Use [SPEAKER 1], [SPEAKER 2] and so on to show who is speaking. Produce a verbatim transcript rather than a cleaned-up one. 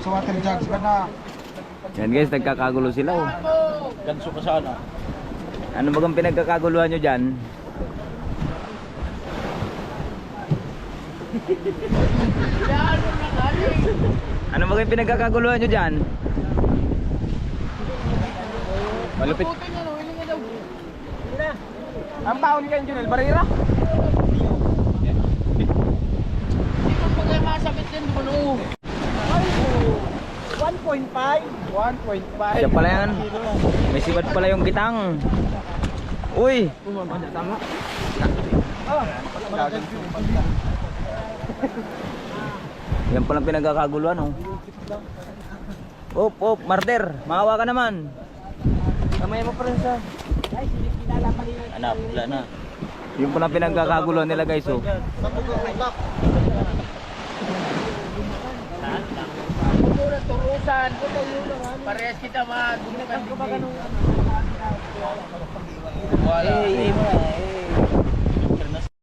[SPEAKER 1] sa water jugs ka na.
[SPEAKER 2] Yan guys, nagkakagulo sila oh.
[SPEAKER 1] Ganso ka sana.
[SPEAKER 2] Ano bagang pinagkakaguluhan nyo dyan? Ano bagang pinagkakaguluhan nyo dyan? Malupit.
[SPEAKER 1] Ang taon kayo, Junel, Barira? one point five. one point five.
[SPEAKER 2] Siya pala yan. May sibat pala yung kitang. Uy!
[SPEAKER 1] Tama.
[SPEAKER 2] Yan palang pinagkakaguluhan oh. Op, op, martir. Maawa ka naman. Kamay mo pa rin sa... Anak, wala na. Yung palang pinagkakaguluhan nila guys oh.
[SPEAKER 3] Turusan, parehas kita mag
[SPEAKER 2] Eh,